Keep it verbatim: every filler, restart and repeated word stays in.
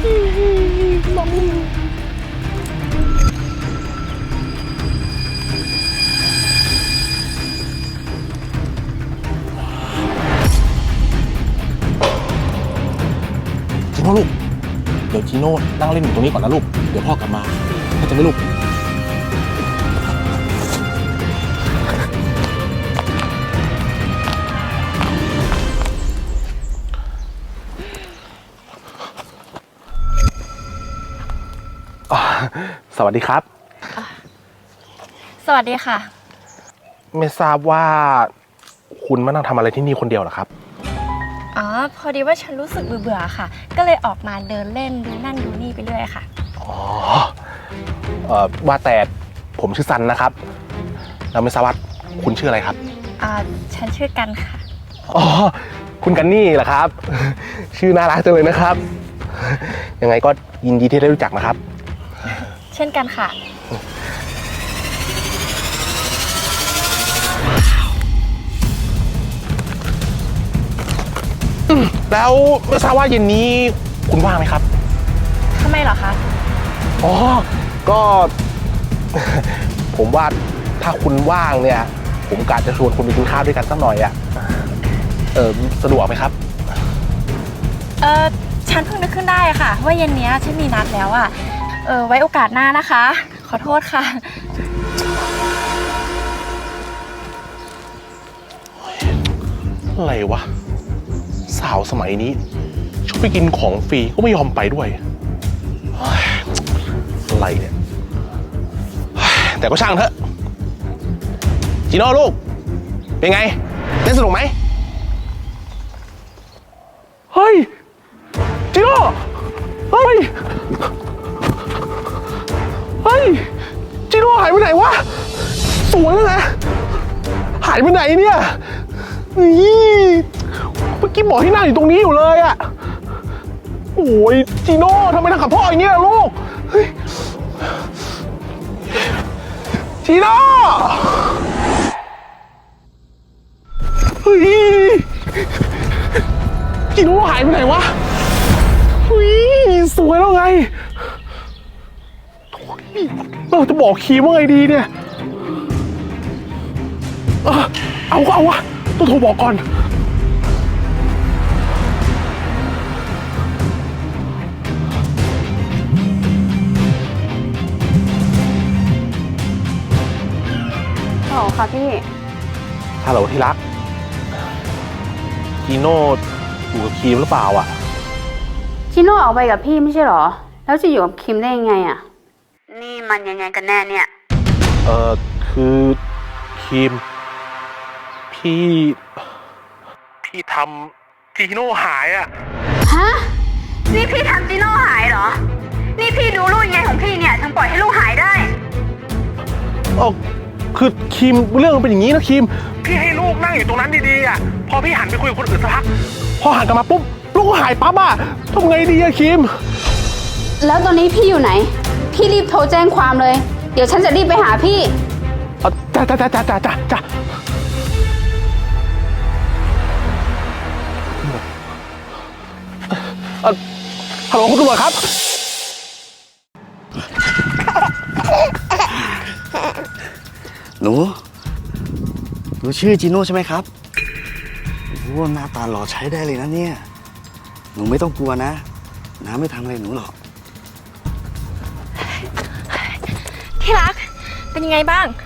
จีโน่ลูกเดี๋ยวจีโน่นั่งเล่นอยู่ตรงนี้ก่อนนะลูกเดี๋ยวพ่อกลับมาเข้าใจไหมลูกสวัสดีครับสวัสดีค่ะไม่ทราบว่าคุณมานั่งทำอะไรที่นี่คนเดียวเหรอครับอ๋อพอดีว่าฉันรู้สึกเบื่อๆค่ะก็เลยออกมาเดินเล่นดูนั่นดูนี่ไปเรื่อยค่ะอ๋อเอ่อว่าแต่ผมชื่อซันนะครับแล้วไม่ทราบว่าคุณชื่ออะไรครับอ่าฉันชื่อกันค่ะอ๋อคุณกันนี่เหรอครับชื่อน่ารักจังเลยนะครับยังไงก็ยินดีที่ได้รู้จักนะครับเช่นกันค่ะแล้วไม่ทราบว่าเย็นนี้คุณว่างไหมครับทำไมเหรอคะอ๋อก็ผมว่าถ้าคุณว่างเนี่ยผมกะจะชวนคุณไปกินข้าวด้วยกันสักหน่อยอ่ะเออสะดวกไหมครับเออฉันเพิ่งนึกขึ้นได้ค่ะว่าเย็นนี้ฉันมีนัดแล้วอ่ะเออไว้โอกาสหน้านะคะขอโทษค่ะอะไรวะสาวสมัยนี้ชอบไปกินของฟรีก็ไม่ยอมไปด้วยอะไรเนี่ยแต่ก็ช่างเถอะจีโน่ลูกเป็นไงเล่นสนุกไหมเฮ้ยจีโน่เฮ้ยเฮ้ยจีโน่หายไปไหนวะสวยแล้วนะหายไปไหนเนี่ยนี่เมื่อกี้บอกที่นั่งอยู่ตรงนี้อยู่เลยอะโอ้ยจีโน่ทำไมทำกับพ่ออย่างนี้ล่ะลูกจีโน่เฮ้ยจีโน่หายไปไหนวะเฮ้ยสวยแล้วไงเราจะบอกคีมว่าไงดีเนี่ยเอาก็เอาวะต้องโทรบอกก่อนฮัลโหลค่ะพี่ฮัลโหลที่รักจีโน่อยู่กับคีมหรือเปล่าอ่ะชิโน่ออกไปกับพี่ไม่ใช่หรอแล้วจะอยู่กับคิมได้ยังไงอ่ะนี่มันยังไงกันแน่เนี่ยเออคือคีมพี่พี่ทำจีโน่หายอ่ะฮะนี่พี่ทำจีโน่หายเหรอนี่พี่ดูลูกยังไงของพี่เนี่ยถึงปล่อยให้ลูกหายได้เออคือคีมเรื่องมันเป็นอย่างนี้นะคีมพี่ให้ลูกนั่งอยู่ตรงนั้นดีๆอ่ะพอพี่หันไปคุยกับคนอื่นสักพักพอหันกลับมาปุ๊บลูกก็หายปั๊บอ่ะทำไงดีอะคีมแล้วตอนนี้พี่อยู่ไหนพี่รีบโทรแจ้งความเลยเดี๋ยวฉันจะรีบไปหาพี่จ้าจ้าจ้าจ้าจ้าจ้าจ้าฮัลโหลคุณตำรวจครับหนูหนูชื่อจีโน่ใช่ไหมครับโอ้หน้าตาหล่อใช้ได้เลยนะเนี่ยหนูไม่ต้องกลัวนะน้าไม่ทำอะไรหนูหรอกที่รักเป็นยังไงบ้าง